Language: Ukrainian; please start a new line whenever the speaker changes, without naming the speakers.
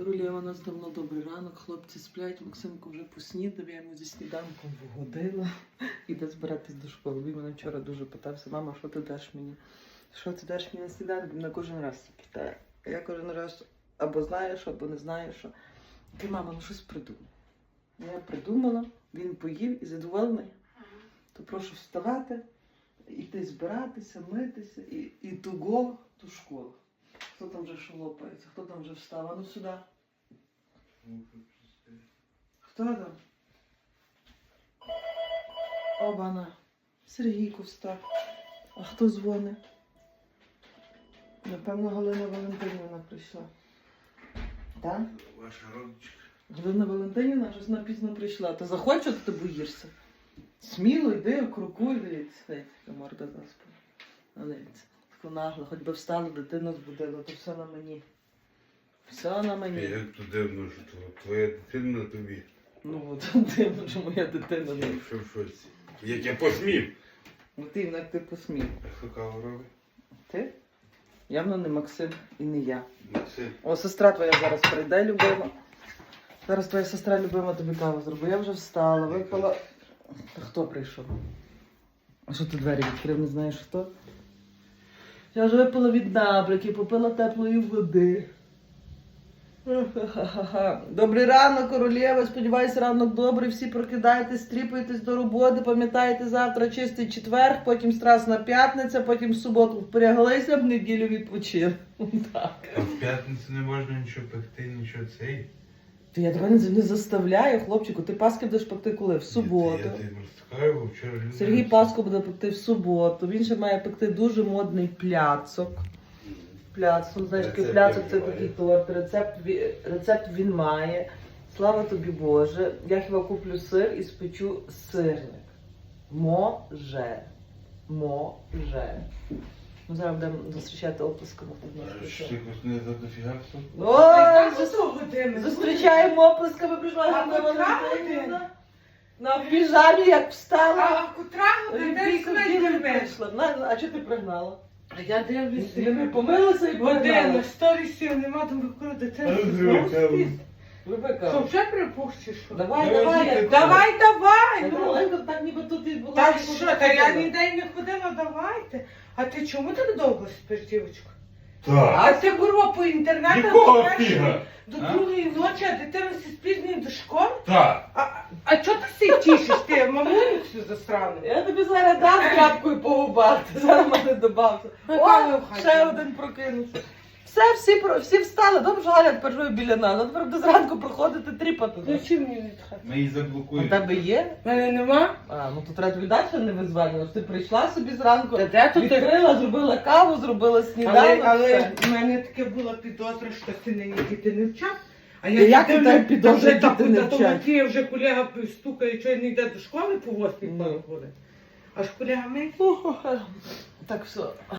королева, у нас давно добрий ранок, хлопці сплять, Максимко вже поснідав, я йому зі сніданком вгодила. Іде збиратись до школи. Він мене вчора дуже питався: мама, що ти даш мені? Що ти даш мені на сніданок? Він на кожен раз це питає. Я кожен раз або знаю що, або не знаю що. Ти, мама, ну щось придумай. Я придумала, він поїв і задоволений. То прошу вставати, іти збиратися, митися і туго до школи. Хто там вже шолопається, хто там вже встав? А ну сюди. Хто там? Обана. Сергійко встав. А хто дзвонить? Напевно, Галина Валентинівна прийшла. Так?
Ваша родичка.
Галина Валентинівна щось напізно прийшла. Ти захочеш, ти боїшся? Сміло йди, крокуй, дивіться. Яка морда заспана. Дивіться. Таку нагло, хоч би встала, дитину збудила, то все на мені. Все на мені.
Як то дивно, що твоя дитина на тобі.
Ну от дивно, що моя дитина не.
Що в шоці? Як я посмів.
Ну ти, як ти посмів.
А хто каву робить?
Ти? Явно не Максим і не я.
Максим.
О, сестра твоя зараз прийде, любима. Зараз твоя сестра любима тобі каву зробить. Я вже встала, випила. Та хто прийшов? А що ти двері відкрив, не знаєш хто? Я вже випила від набрики, попила теплої води. Добрий ранок, королева. Сподіваюся, ранок добрий. Всі прокидайтесь, стріпуйтесь до роботи. Пам'ятайте, завтра чистий четвер, потім страсна п'ятниця, потім в суботу впряглися, в неділю відпочили. Так.
А в п'ятницю не можна нічого пекти, нічого цей.
То я тебе не заставляю, хлопчику. Ти Паски будеш пекти коли? В суботу.
Я тебе розтикаю, бо вчора люди...
Сергій Паску буде пекти в суботу. Він ще має пекти дуже модний пляцок. Пляцок, знаєш, який
Рецепт
пляцок це
він має.
такий торт. Рецепт він має. Слава тобі Боже. Я хіба куплю сир і спечу сирник. Може. Може. Ну, зараз будемо зустрічати оплесками.
А що ти якось не за дофіга хто?
Ой, зустрічаємо оплесками, прийшла
А
Ганна
котра
Валентинівна. На піжамі, як встала.
А котра година
Олімпійку
десь
прийшла. А чого ти пригнала?
А я дивлюся.
Ти не помилася і
Година,
пригнала.
сторісів нема, там використати дитину.
А,
Знову
знову
спить.
Вибика.
Що, вже припущиш, що?
Давай,
Давай,
давай.
діти,
як-
Давай,
Та
ну.
давай, так ніби тут і була.
Та
і
що,
тут
та я
ходила.
ніде й не ходила, давайте. А ти чому так довго спиш, дівчинко?
Так.
А ти, курва, по інтернету
Якого
до першої-
фіга?
до
А?
другої ночі, а дитина все спізнює до школи?
Так.
А чого ти всі тішиш? Ти мамуню всю засрану?
Я тобі зараз дам тряпкою по губах. Ти зараз мене добався.
Яка ви
О,
в хаті?
ще один прокинувся. Всі встали. Добре, що Галя тепер живе біля нас. А тепер буде зранку проходити тріпати.
Ну чим мені від хати?
Ми її
У
заблокуємо.
тебе є?
Мене нема?
А, ну то треба тобі далі не визванювати. Ти прийшла собі зранку,
Та де тут ти?
відкрила, зробила каву, зробила сніданок.
Але
все.
в мене таке була підозра, що ти нині діти не вчав. А
Та як ти так підозра,
вже
діти не вчать?
Матвія вже колега стукає, що він не йде до школи по 8
Ну.
хвилин. Аж колега мені.
Так, все.